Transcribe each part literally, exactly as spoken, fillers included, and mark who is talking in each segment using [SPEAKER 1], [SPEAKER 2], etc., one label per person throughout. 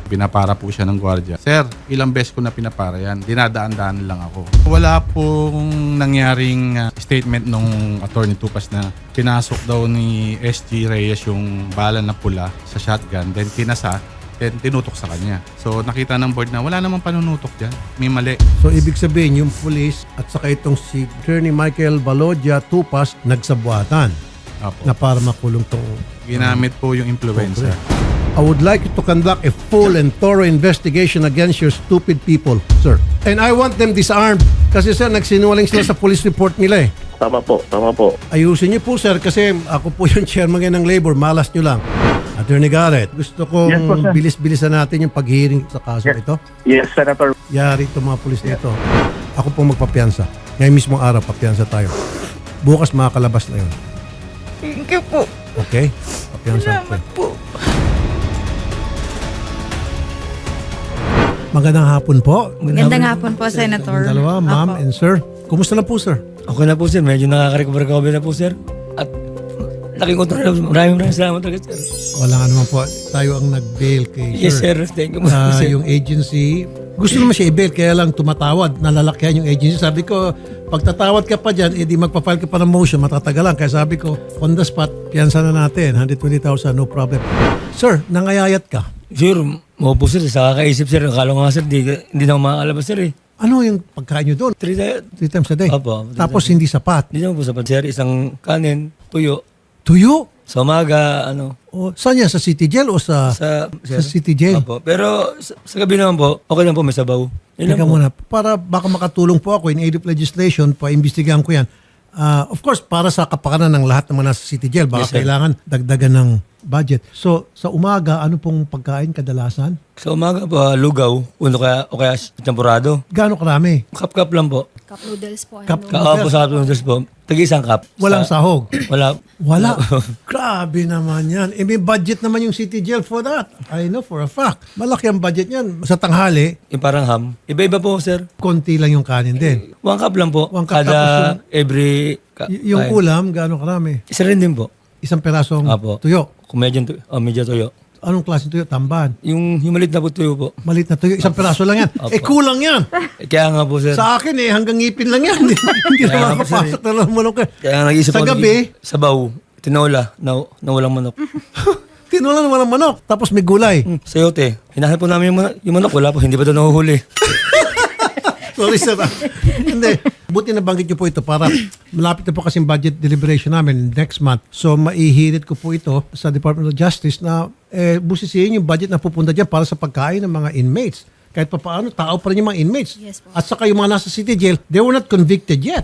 [SPEAKER 1] Pinapara po siya ng gwardiya. Sir, ilang beses ko na pinapara yan. Dinadaan-daan lang ako. Wala pong nangyaring uh, statement nung attorney Tupas na pinasok daw ni S G Reyes yung bala na pula sa shotgun, then kinasa, then tinutok sa kanya. So nakita ng board na wala namang panunutok dyan. May mali.
[SPEAKER 2] So ibig sabihin yung police at saka itong si Attorney Michael Balodia Tupas nagsabuatan
[SPEAKER 1] Apo.
[SPEAKER 2] na para makulong tong
[SPEAKER 1] Ginamit po yung influencer.
[SPEAKER 2] I would like you to conduct a full and thorough investigation against your stupid people, sir. And I want them disarmed. Kasi sir, nagsinungaling sila sa police report nila eh.
[SPEAKER 3] Tama po, tama po.
[SPEAKER 2] Ayusin niyo po sir kasi ako po yung chairman ngayon ng labor. Malas niyo lang. Attorney Garrett, gusto kong
[SPEAKER 3] Yes po, sir.
[SPEAKER 2] bilis-bilisan natin yung pag-hearing sa kaso
[SPEAKER 3] Yes.
[SPEAKER 2] ito.
[SPEAKER 3] Yes, Senator.
[SPEAKER 2] Yari itong mga pulis nito. Ako pong magpapiansa. Ngayon mismong araw, papiansa tayo. Bukas makakalabas na yun.
[SPEAKER 4] Thank you po.
[SPEAKER 2] Okay? Papiansa
[SPEAKER 4] Salamat po.
[SPEAKER 2] Magandang hapon po.
[SPEAKER 4] Magandang hapon po, Senator.
[SPEAKER 2] Ang dalawa, ma'am
[SPEAKER 4] Apo.
[SPEAKER 2] and sir. Kumusta na po, sir?
[SPEAKER 5] Okay na po sir, medyo nakaka-recover-recover na po sir. At laking kontrol na po. Maraming maraming salamat talaga sir.
[SPEAKER 2] Wala nga naman po. Tayo ang nag-bail kay
[SPEAKER 5] Yes
[SPEAKER 2] sir.
[SPEAKER 5] sir, thank you po
[SPEAKER 2] Ah,
[SPEAKER 5] sir.
[SPEAKER 2] yung agency, gusto naman siya i-bail, kaya lang tumatawad, nalalakyan yung agency. Sabi ko, pag tatawad ka pa dyan, edi magpa-file ka pa ng motion, matatagalan. Kaya sabi ko, on the spot, piyansa na natin, one hundred twenty thousand, no problem. Sir, nangayayat ka.
[SPEAKER 5] Sir, mo po sir, sa kakaisip sir, akala ko nga sir, di, hindi na ako makakalabas sir eh.
[SPEAKER 2] Ano yung pagkain nyo doon?
[SPEAKER 5] Three, di-
[SPEAKER 2] Three times a day?
[SPEAKER 5] Opo.
[SPEAKER 2] Tapos hindi sapat.
[SPEAKER 5] naman po sapat sir, isang kanin, tuyo.
[SPEAKER 2] Tuyo?
[SPEAKER 5] Sa umaga, ano,
[SPEAKER 2] O, saan yan? Sa city jail o sa, sa,
[SPEAKER 5] sa, sir.
[SPEAKER 2] city jail?
[SPEAKER 5] Opo. Pero sa, sa gabi naman po, okay lang po, may sabaw. Yun lang
[SPEAKER 2] Teka
[SPEAKER 5] po.
[SPEAKER 2] muna, para baka makatulong po ako in aid of legislation, paimbestigahan ko yan. Ah, of course, para sa kapakanan ng lahat ng mga nasa city jail, baka
[SPEAKER 5] Yes, sir.
[SPEAKER 2] kailangan dagdagan ng budget. So, sa umaga, ano pong pagkain kadalasan?
[SPEAKER 5] Sa umaga po, ah, lugaw, uno kaya, o kaya champurado.
[SPEAKER 2] Gaano karami?
[SPEAKER 5] Cup-cup lang po.
[SPEAKER 6] Cup noodles po. Ano?
[SPEAKER 2] Cup,
[SPEAKER 5] Ka po sa cup noodles po. Tag-isang cup.
[SPEAKER 2] Walang
[SPEAKER 5] Sa-
[SPEAKER 2] sahog.
[SPEAKER 5] Wala.
[SPEAKER 2] Wala. Grabe naman yan. Eh, may budget naman yung city jail for that. I know for a fact. Malaki ang budget yan. Sa tanghali,
[SPEAKER 5] Yung parang ham. Iba-iba po, sir.
[SPEAKER 2] konti lang yung kanin din.
[SPEAKER 5] One cup lang po.
[SPEAKER 2] One cup,
[SPEAKER 5] Kada
[SPEAKER 2] tapos
[SPEAKER 5] every... Ka-
[SPEAKER 2] Y- yung
[SPEAKER 5] kain.
[SPEAKER 2] ulam, gaano karami?
[SPEAKER 5] Isa rin din po.
[SPEAKER 2] Isang perasong
[SPEAKER 5] Apo.
[SPEAKER 2] tuyo.
[SPEAKER 5] Kung medyo, tu- oh, medyo tuyo.
[SPEAKER 2] Anong klaseng tuyo? Tamban.
[SPEAKER 5] Yung, yung maliit na po tuyo po.
[SPEAKER 2] Malit na tuyo. Isang peraso lang yan. Eh, kulang yan.
[SPEAKER 5] Eh, Kaya nga po, sir.
[SPEAKER 2] Sa akin eh, hanggang ngipin lang yan. Hindi
[SPEAKER 5] Kaya
[SPEAKER 2] na
[SPEAKER 5] nga po, sir,
[SPEAKER 2] makapasok na lang manok. eh.
[SPEAKER 5] Kaya nga nag-isip
[SPEAKER 2] Sa
[SPEAKER 5] ako,
[SPEAKER 2] gabi,
[SPEAKER 5] nag- Sabaw. Tinola. Na, na walang manok.
[SPEAKER 2] tinulan walang manok. Tapos may gulay.
[SPEAKER 5] Hmm, sayote. Hinahanap po namin yung manok. Yung manok, wala po. Hindi pa doon nahuhuli.
[SPEAKER 2] Sorry sir. ah. Hindi. Buti nabanggit niyo po ito para malapit na po kasing budget deliberation namin next month. So maihirit ko po ito sa Department of Justice na eh, busisihin yung budget na pupunta dyan para sa pagkain ng mga inmates. Kahit pa paano, tao pa rin yung mga inmates.
[SPEAKER 6] Yes po.
[SPEAKER 2] At saka yung mga nasa city jail, they were not convicted yet.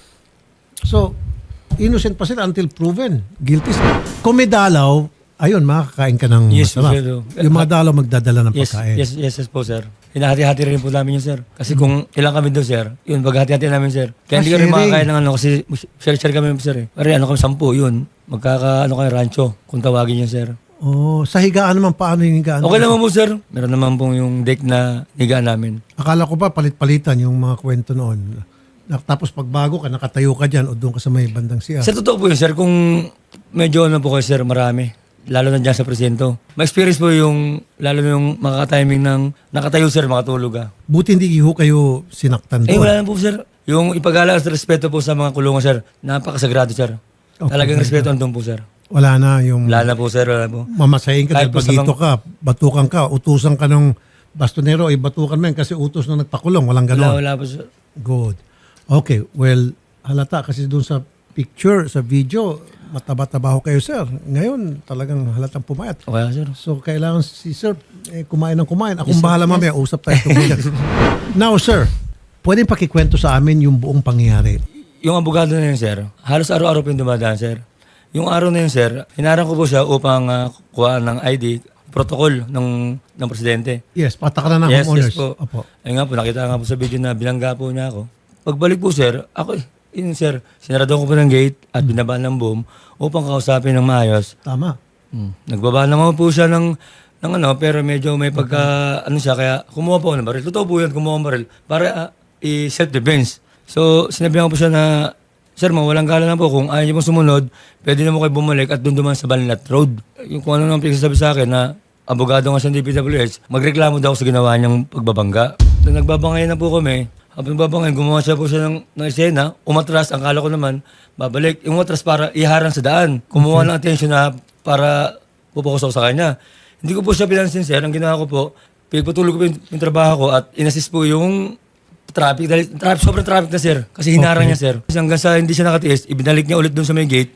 [SPEAKER 2] So, innocent pa sila until proven guilty. Kung may dalaw, ayun, makakain ka ng
[SPEAKER 5] Yes,
[SPEAKER 2] masarap.
[SPEAKER 5] sir.
[SPEAKER 2] Yung mga dalaw magdadala ng
[SPEAKER 5] Yes,
[SPEAKER 2] pagkain.
[SPEAKER 5] yes, yes, yes po, sir. Hinahati-hati rin po namin yun, sir. Kasi kung ilang kami doon, sir, yun, paghati-hati namin, sir. Kaya hindi
[SPEAKER 2] Ah,
[SPEAKER 5] ka rin
[SPEAKER 2] sharing.
[SPEAKER 5] makakain ng ano, kasi share-share kami, sir. Eh. Pare, ano kami, sampu, yun. Magkaka, ano kayo, rancho, kung tawagin yun, sir.
[SPEAKER 2] Oh, sa higaan naman, paano yung higaan?
[SPEAKER 5] Okay naman po, sir. Meron naman pong yung deck na higaan namin.
[SPEAKER 2] Akala ko pa palit-palitan yung mga kwento noon. Na- Tapos pag bago ka, nakatayo ka dyan o doon ka sa may bandang siya.
[SPEAKER 5] Sa totoo po yun, sir, kung medyo ano po kayo, sir, marami. Lalo na dyan sa presinto. Ma-experience po yung, lalo na yung makaka-timing ng nakatayo, sir, makatulog ah.
[SPEAKER 2] Buti hindi ho kayo sinaktan
[SPEAKER 5] Eh,
[SPEAKER 2] doon.
[SPEAKER 5] wala na po, sir. Yung ipagala at respeto po sa mga kulungan, sir, napakasagrado, sir.
[SPEAKER 2] Okay.
[SPEAKER 5] Talagang respeto andun po, sir.
[SPEAKER 2] Wala na yung
[SPEAKER 5] Wala na po, sir. Wala po.
[SPEAKER 2] mamasahin ka,
[SPEAKER 5] Kahit
[SPEAKER 2] dahil
[SPEAKER 5] po sa
[SPEAKER 2] bagito
[SPEAKER 5] mga-
[SPEAKER 2] ka, batukan ka, utusan ka ng bastonero, ay batukan mo yan kasi utos na nagpakulong. Walang
[SPEAKER 5] Wala,
[SPEAKER 2] ganon.
[SPEAKER 5] wala po, sir.
[SPEAKER 2] Good. Okay, well, halata kasi doon sa picture, sa video, mataba-taba ho kayo, sir. Ngayon, talagang halatang pumayat.
[SPEAKER 5] Okay, sir.
[SPEAKER 2] So, kailangan si sir eh, kumain ng kumain. Akong bahala mamaya, usap tayo tungkol yan. Now, sir, pwede pakikwento sa amin yung buong pangyayari.
[SPEAKER 5] Yung abogado na yun, sir, halos araw-araw po yung dumadaan, sir. Yung araw na yun, sir, hinarang ko po siya upang uh, kuhaan ng I D, protocol ng, ng presidente.
[SPEAKER 2] Yes, patakaran ng
[SPEAKER 5] Yes,
[SPEAKER 2] homeowners.
[SPEAKER 5] yes po.
[SPEAKER 2] Opo.
[SPEAKER 5] Ayun nga po, nakita nga po sa video na bilangga po niya ako. Pagbalik po, sir, ako, yun, sir, sinarado ko po ng gate at binabaan ng boom upang kausapin ng maayos.
[SPEAKER 2] Tama.
[SPEAKER 5] Hmm. Nagbaba naman po siya ng, ng ano, pero medyo may pagka, ano siya, kaya kumuha po ako ng baril. Totoo po yun, kumuha ng baril para uh, i-self-defense. So, sinabihan ko po siya na, sir, mawalang gala na po. Kung ayaw niyo pong sumunod, pwede na mo kayo bumalik at doon duman sa Banlat Road. Yung kung ano nang pinagsasabi sa akin na abogado nga sa D P W H, magreklamo daw sa ginawa niyang pagbabangga. So nagbabangay na po kami. Habang nagbabangay, gumawa siya po siya ng, ng eksena, umatras, ang kala ko naman, babalik. Yung umatras para iharang sa daan. Kumuha ng attention na para pupokus ako sa kanya. Hindi ko po siya pinansin, sir. Ang ginawa ko po, pinagpatuloy ko po yung, yung trabaho ko at inassist po yung traffic. Dahil traffic, sobrang traffic na, sir. Kasi hinarang
[SPEAKER 2] Okay.
[SPEAKER 5] niya, sir. Kasi hanggang sa hindi siya nakatiis, ibinalik niya ulit doon sa may gate.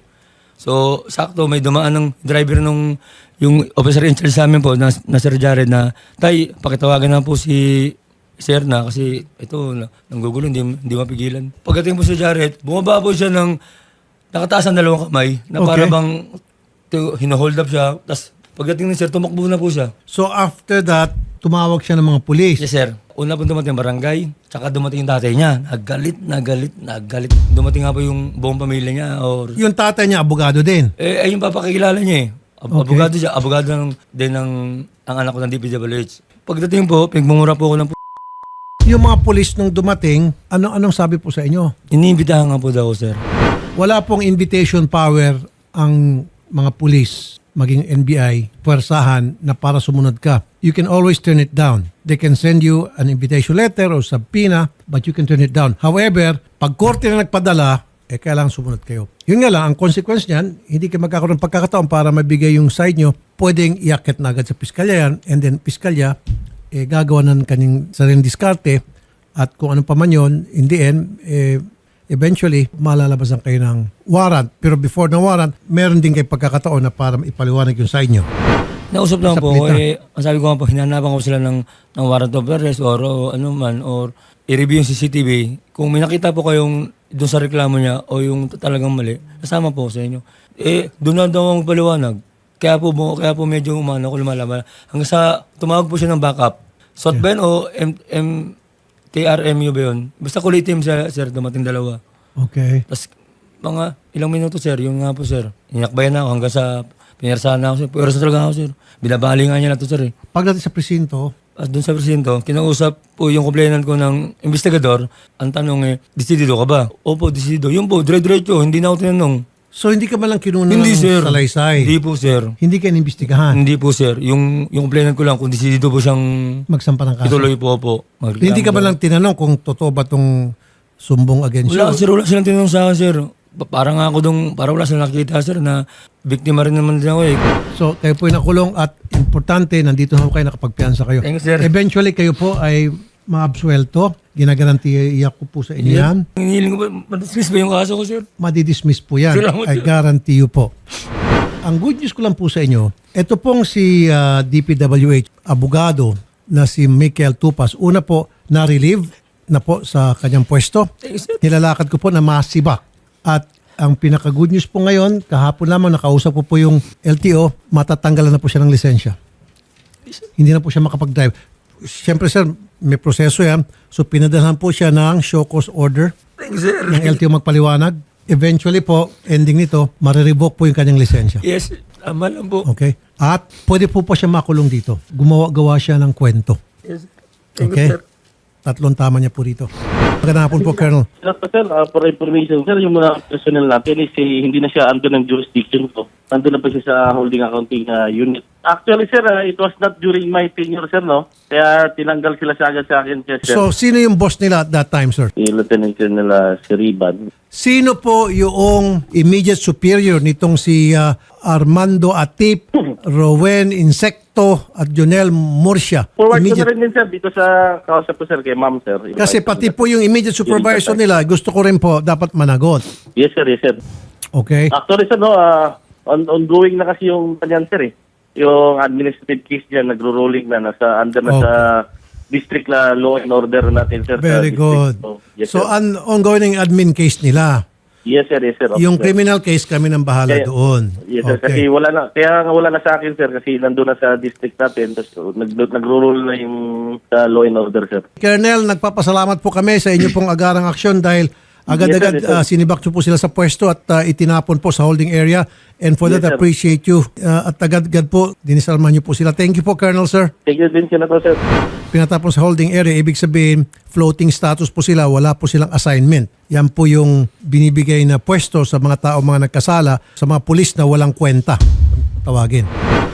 [SPEAKER 5] So, sakto, may dumaan ng driver nung yung officer in charge sa amin po na, na Sir Jared na, tay, pakitawagan na po si Sir na kasi ito, na, nanggugulo, hindi, hindi mapigilan. Pagdating po si Jared, bumaba po siya ng nakataas ang dalawang kamay na para
[SPEAKER 2] Okay.
[SPEAKER 5] bang to, hino-hold up siya. Tapos pagdating ni Sir, tumakbo na po siya.
[SPEAKER 2] So after that, tumawag siya ng mga pulis.
[SPEAKER 5] Yes, sir. Una po dumating ang barangay, tsaka dumating yung tatay niya. Naggalit, nagalit, nagalit. Dumating nga po yung buong pamilya niya or
[SPEAKER 2] Yung tatay niya, abogado din.
[SPEAKER 5] Eh, ay yung papakilala niya eh. Ab-
[SPEAKER 2] Okay.
[SPEAKER 5] Abogado siya. Abogado ng, din ng ang anak ko ng D P W H. Pagdating po, pinagmumura po ako ng p***.
[SPEAKER 2] Yung mga pulis nung dumating, ano anong sabi po sa inyo?
[SPEAKER 5] Iniimbitahan nga po daw, sir.
[SPEAKER 2] Wala pong invitation power ang mga pulis, maging N B I, puwersahan na para sumunod ka. You can always turn it down. They can send you an invitation letter or subpoena, but you can turn it down. However, pag korte na nagpadala, eh kailangan sumunod kayo. Yun nga lang, ang consequence niyan, hindi kayo magkakaroon ng pagkakataon para mabigay yung side nyo, pwedeng iakit na agad sa piskalya yan, and then piskalya, eh, gagawa ng kanyang sariling diskarte, at kung ano pa man yun, in the end, eh, eventually, malalabasan kayo ng warrant. Pero before ng warrant, meron din kayo pagkakataon na para ipaliwanag yung side nyo.
[SPEAKER 5] Nausap lang
[SPEAKER 2] Sa
[SPEAKER 5] po,
[SPEAKER 2] plita.
[SPEAKER 5] eh, ang sabi ko nga po, hinanapan ko sila ng, ng warrant of arrest or, o ano man, or i-review yung C C T V. Kung may nakita po kayong doon sa reklamo niya o yung talagang mali, kasama po sa inyo. Eh, doon na daw ang paliwanag. Kaya po, mo- kaya po medyo umano ko lumalaman. Hanggang sa tumawag po siya ng backup. S O T ba yun o M, M, T R M U ba yun? Basta kulay team siya, sir, dumating dalawa.
[SPEAKER 2] Okay.
[SPEAKER 5] Tapos, mga ilang minuto, sir, yun nga po, sir. Inakbayan na ako hanggang sa pinirsahan na ako, sir. Pero sa talaga ako, sir. Binabali nga niya na to, sir, eh.
[SPEAKER 2] Pagdating sa presinto,
[SPEAKER 5] At doon sa presinto, kinausap po yung complainant ko ng investigador. Ang tanong eh, desidido ka ba? Opo, desidido. Yun po, dire-diretso, hindi na ako tinanong.
[SPEAKER 2] so hindi ka man lang kinuna
[SPEAKER 5] Hindi,
[SPEAKER 2] ng
[SPEAKER 5] sir.
[SPEAKER 2] salaysay.
[SPEAKER 5] Hindi po, sir.
[SPEAKER 2] Hindi ka inimbestigahan.
[SPEAKER 5] Hindi po, sir. Yung, yung complainant ko lang, kung desidido po siyang
[SPEAKER 2] Magsampa ng kaso.
[SPEAKER 5] ituloy po po. Magreklamo
[SPEAKER 2] Hindi ka man
[SPEAKER 5] daw.
[SPEAKER 2] lang tinanong kung totoo ba itong sumbong against
[SPEAKER 5] Wala,
[SPEAKER 2] you.
[SPEAKER 5] sir. Wala silang tinanong sa akin, sir. Pa- Parang ako dong, parang wala silang nakita, sir, na biktima rin naman din ako eh.
[SPEAKER 2] So kayo po ay nakulong at importante, nandito na po kayo, nakapagpiansa kayo.
[SPEAKER 5] Thank you, sir.
[SPEAKER 2] Eventually kayo po ay maabsuelto. Ginagarantiya ko po sa inyo yan.
[SPEAKER 5] Hinihiling ko ba, madismiss ba yung kaso ko, sir?
[SPEAKER 2] Madidismiss po yan.
[SPEAKER 5] Salamat,
[SPEAKER 2] I
[SPEAKER 5] sir.
[SPEAKER 2] guarantee you po. Ang good news ko lang po sa inyo, ito pong si ah, D P W H, abogado na si Michael Tupas. Una po, na-relieve na po sa kanyang pwesto.
[SPEAKER 5] Thank you, sir.
[SPEAKER 2] Nilalakad ko po na masibak. At ang pinaka-good news po ngayon, kahapon lamang nakausap ko po yung L T O, matatanggalan na po siya ng lisensya. Hindi na po siya makapag-drive. Siyempre sir, may proseso yan. So pinadalhan po siya ng show cause order
[SPEAKER 5] Thank you, sir.
[SPEAKER 2] ng L T O magpaliwanag. Eventually po, ending nito, marirevoke po yung kanyang lisensya.
[SPEAKER 5] Yes, tama lang po.
[SPEAKER 2] Okay? At pwede po pa siya makulong dito. Gumawa-gawa siya ng kwento.
[SPEAKER 5] Yes. Thank
[SPEAKER 2] Okay?
[SPEAKER 5] you, sir.
[SPEAKER 2] Tatlong tama niya po dito. Magandang hapon po, Colonel.
[SPEAKER 3] Sir, sir, uh, for information, sir, yung mga personnel natin is eh, hindi na siya under ng jurisdiction ko. Nandun na pa siya sa holding accounting uh, unit. Actually, sir, uh, it was not during my tenure, sir, no? Kaya tinanggal sila sa agad sa akin, sir.
[SPEAKER 2] So, sino yung boss nila at that time, sir?
[SPEAKER 3] Si Lieutenant Colonel uh, si Riban.
[SPEAKER 2] Sino po yung immediate superior nitong si ah, Armando Atip, Rowen Insecto at Jonel Murcia?
[SPEAKER 3] Forward ko
[SPEAKER 2] Immediate-
[SPEAKER 3] na rin din, sir, dito sa kausap ko, sir, kay ma'am, sir.
[SPEAKER 2] Kasi pati po yung immediate supervisor nila, gusto ko rin po dapat managot.
[SPEAKER 3] Yes, sir, yes, sir.
[SPEAKER 2] Okay?
[SPEAKER 3] Actually, sir, no, uh, on ongoing na kasi yung kanyan, sir, eh. Yung administrative case niya, nagro-rolling na, nasa under na
[SPEAKER 2] Okay.
[SPEAKER 3] sa district na law and order natin, sir. sa
[SPEAKER 2] Very
[SPEAKER 3] district.
[SPEAKER 2] good.
[SPEAKER 3] So, yes,
[SPEAKER 2] So,
[SPEAKER 3] sir.
[SPEAKER 2] an ongoing admin case nila.
[SPEAKER 3] Yes, sir, yes, sir. Okay,
[SPEAKER 2] Yung
[SPEAKER 3] sir.
[SPEAKER 2] criminal case, kami nang bahala
[SPEAKER 3] Kaya-
[SPEAKER 2] doon.
[SPEAKER 3] Yes, sir. Kasi
[SPEAKER 2] Okay.
[SPEAKER 3] wala na. Kaya nga wala na sa akin, sir. Kasi nandun na sa district natin. Tapos nag, nagro-roll na yung sa law and order, sir.
[SPEAKER 2] Colonel, nagpapasalamat po kami sa inyo pong agarang aksyon dahil agad-agad
[SPEAKER 3] Yes, sir, yes, sir.
[SPEAKER 2] ah, sinibak niyo po sila sa pwesto at ah, itinapon po sa holding area. And for
[SPEAKER 3] Yes,
[SPEAKER 2] that,
[SPEAKER 3] sir.
[SPEAKER 2] appreciate you. Ah, at agad-agad po, dinisalman niyo po sila. Thank you po, Colonel, sir.
[SPEAKER 3] Thank you din, Senator, sir.
[SPEAKER 2] Pinatapon sa holding area, ibig sabihin, floating status po sila, wala po silang assignment. Yan po yung binibigay na pwesto sa mga tao, mga nagkasala, sa mga pulis na walang kwenta. Tawagin.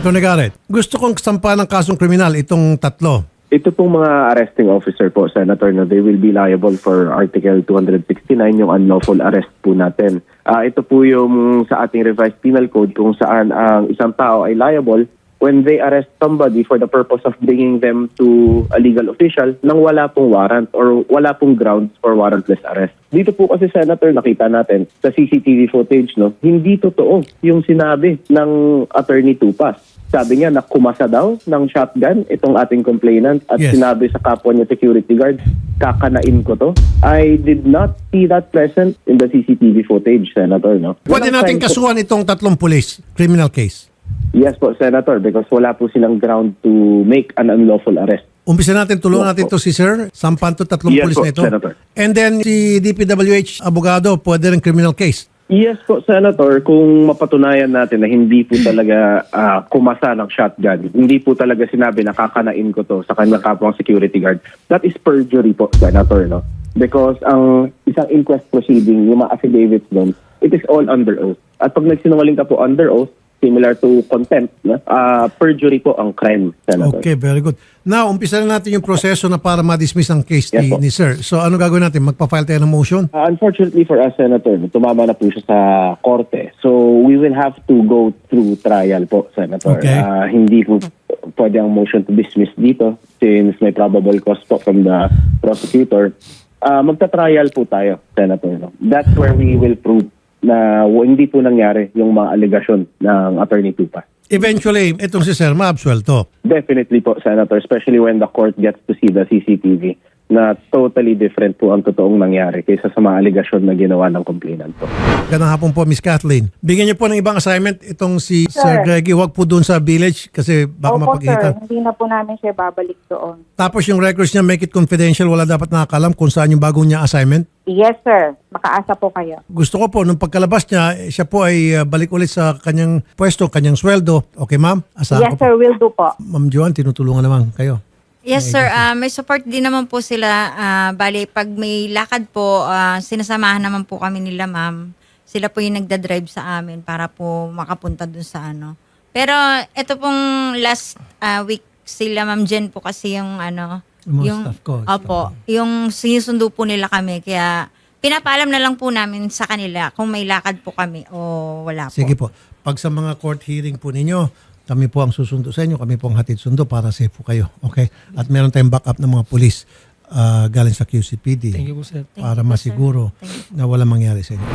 [SPEAKER 2] Attorney Garrett, gusto kong sampahan ng kasong kriminal itong tatlo.
[SPEAKER 6] Ito pong mga arresting officer po, Senator, no, they will be liable for Article two sixty-nine, yung unlawful arrest po natin. Ah, ito po yung sa ating revised penal code kung saan ang isang tao ay liable when they arrest somebody for the purpose of bringing them to a legal official nang wala pong warrant or wala pong grounds for warrantless arrest. Dito po kasi, Senator, nakita natin sa C C T V footage, no, hindi totoo yung sinabi ng Attorney Tupas. Sabi niya na kumasa daw ng shotgun itong ating complainant at
[SPEAKER 2] Yes.
[SPEAKER 6] sinabi sa kapwa niya security guard, kakanain ko to. I did not see that present in the C C T V footage, Senator. No?
[SPEAKER 2] Pwede
[SPEAKER 6] Walang
[SPEAKER 2] natin
[SPEAKER 6] sign po-
[SPEAKER 2] kasuhan itong tatlong pulis, criminal case.
[SPEAKER 6] Yes po, Senator, because wala po silang ground to make an unlawful arrest.
[SPEAKER 2] Umpisa natin, tulungan
[SPEAKER 6] Yes,
[SPEAKER 2] natin
[SPEAKER 6] po.
[SPEAKER 2] to si Sir, sampan to tatlong
[SPEAKER 6] Yes,
[SPEAKER 2] pulis
[SPEAKER 6] po,
[SPEAKER 2] na ito.
[SPEAKER 6] Senator.
[SPEAKER 2] And then si D P W H abogado, pwede rin criminal case.
[SPEAKER 6] Yes po, Senator, kung mapatunayan natin na hindi po talaga ah, kumasa ng shotgun, hindi po talaga sinabi na kakanain ko to sa kanyang kapwang security guard, that is perjury po, Senator, no? Because ang isang inquest proceeding, yung mga affidavits doon, it is all under oath. At pag nagsinungaling ka po under oath, similar to contempt, no? Ah, perjury po ang crime, Senator.
[SPEAKER 2] Okay, very good. Now, umpisa na natin yung proseso na para ma-dismiss ang case
[SPEAKER 6] Yes,
[SPEAKER 2] ni,
[SPEAKER 6] po.
[SPEAKER 2] ni Sir. So, ano gagawin natin? Magpa-file tayo ng motion?
[SPEAKER 6] Uh, unfortunately for us, Senator, tumama na po siya sa korte. So, we will have to go through trial po, Senator.
[SPEAKER 2] Okay.
[SPEAKER 6] Uh, hindi po pwede ang motion to dismiss dito since may probable cause po from the prosecutor. Uh, magta-trial po tayo, Senator. No? That's where we will prove na w- hindi po nangyari yung mga allegation ng Attorney Tupa.
[SPEAKER 2] Eventually, itong si Sir ma-absuelto.
[SPEAKER 6] Definitely po, Senator, especially when the court gets to see the C C T V na totally different po ang totoong nangyari kaysa sa mga allegation na ginawa ng complainant po.
[SPEAKER 2] Gandang hapon po, Miss Kathleen. Bigyan niyo po ng ibang assignment itong si Sir,
[SPEAKER 7] Sir.
[SPEAKER 2] Greggy. Huwag po doon sa village kasi baka
[SPEAKER 7] Opo, sir.
[SPEAKER 2] mapag-itan.
[SPEAKER 7] Hindi na po namin siya babalik doon.
[SPEAKER 2] Tapos yung records niya, make it confidential. Wala dapat nakakalam kung saan yung bagong niya assignment.
[SPEAKER 7] Yes, sir. Makaasa po kayo.
[SPEAKER 2] Gusto ko po, nung pagkalabas niya, eh, siya po ay uh, balik ulit sa kanyang pwesto, kanyang sweldo. Okay, ma'am? Asahan
[SPEAKER 7] Yes,
[SPEAKER 2] ko po.
[SPEAKER 7] sir. Will do po.
[SPEAKER 2] Ma'am Joan, tinutulungan naman kayo.
[SPEAKER 4] Yes, sir. Ah, may support din naman po sila. Ah, bali, pag may lakad po, ah, sinasamahan naman po kami nila, ma'am. Sila po yung nagda-drive sa amin para po makapunta dun sa ano. Pero ito pong last ah, week, sila Ma'am Jen po kasi yung ano,
[SPEAKER 2] Yung mga staff ko, staff
[SPEAKER 4] Opo, yung sinusundo po nila kami. Kaya pinapaalam na lang po namin sa kanila kung may lakad po kami o wala po.
[SPEAKER 2] Sige po. Pag sa mga court hearing po ninyo, kami po ang susundo sa inyo, kami po ang hatid sundo para safe po kayo. Okay? At meron tayong backup ng mga pulis ah, galing sa Q C P D
[SPEAKER 5] Thank you po, sir.
[SPEAKER 2] para masiguro na walang mangyari sa inyo.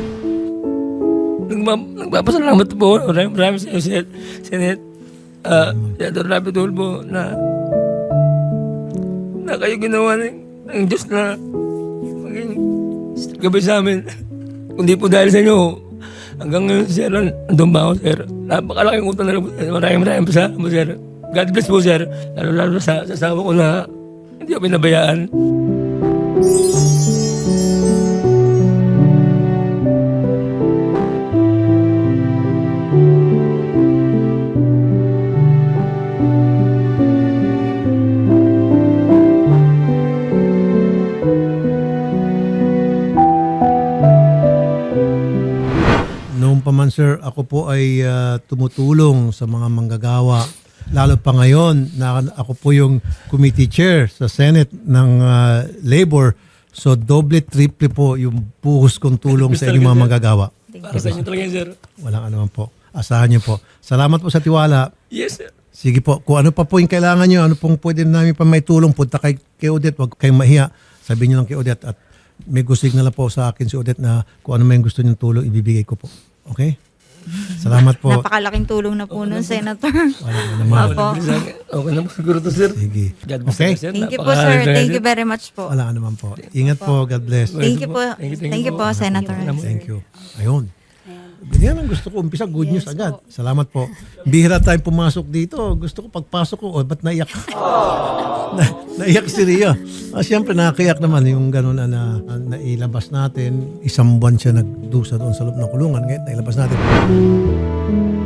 [SPEAKER 5] Nagma- Nagpapasalamat po. Maraming maraming sa iyo, Sen- Senate. Uh, Senator Rapi Tulfo na na kayo ginawa ng, ng Diyos na maging gabay sa amin. Kundi po dahil sa inyo, hanggang ngayon, sir, andun ba ako, sir? Napakalaking utang na lang po, sir. Maraming maraming pasalamat po, sir. God bless po, sir. Lalo-lalo sa, sa asawa ko na hindi ako pinabayaan.
[SPEAKER 2] Noong pa man, sir, ako po ay ah, tumutulong sa mga manggagawa. Lalo pa ngayon na ako po yung committee chair sa Senate ng ah, Labor. So doble, triple po yung buhos kong tulong sa inyong mga manggagawa.
[SPEAKER 5] Para sa inyo talaga, sir.
[SPEAKER 2] Walang anuman po. Asahan niyo po. Salamat po sa tiwala.
[SPEAKER 5] Yes, sir.
[SPEAKER 2] Sige po, kung ano pa po yung kailangan nyo, ano pong pwede namin pa may tulong, punta kay, kay Odette, huwag kayong mahiya. Sabihin nyo lang kay Odette at may gusto na po sa akin si Odette na kung ano may gusto nyo tulong, ibibigay ko po. Okay? Salamat po.
[SPEAKER 4] Napakalaking tulong na po nun, Senator.
[SPEAKER 2] Wala na naman.
[SPEAKER 4] Opo.
[SPEAKER 5] Okay na po siguro to, sir.
[SPEAKER 2] Sige.
[SPEAKER 5] God bless
[SPEAKER 2] Okay?
[SPEAKER 5] you, sir.
[SPEAKER 4] Thank you po, sir.
[SPEAKER 5] Napakahalaga,
[SPEAKER 4] Thank you very much po.
[SPEAKER 2] Wala ka naman po. Ingat po. God bless.
[SPEAKER 4] Thank you po.
[SPEAKER 5] Thank you, thank you
[SPEAKER 4] Thank you
[SPEAKER 5] po.
[SPEAKER 4] po, Senator.
[SPEAKER 2] Thank you. Ayun. Yan ang gusto ko. Umpisa, good news agad. Salamat po. Bihira tayong pumasok dito. Gusto ko pagpasok ko, oh, ba't naiyak? na, naiyak si Ria. Ah, Siyempre, nakakayak naman yung gano'n na, na nailabas natin. Isang buwan siya nagdusa doon sa loob ng kulungan. Ngayon, nailabas natin.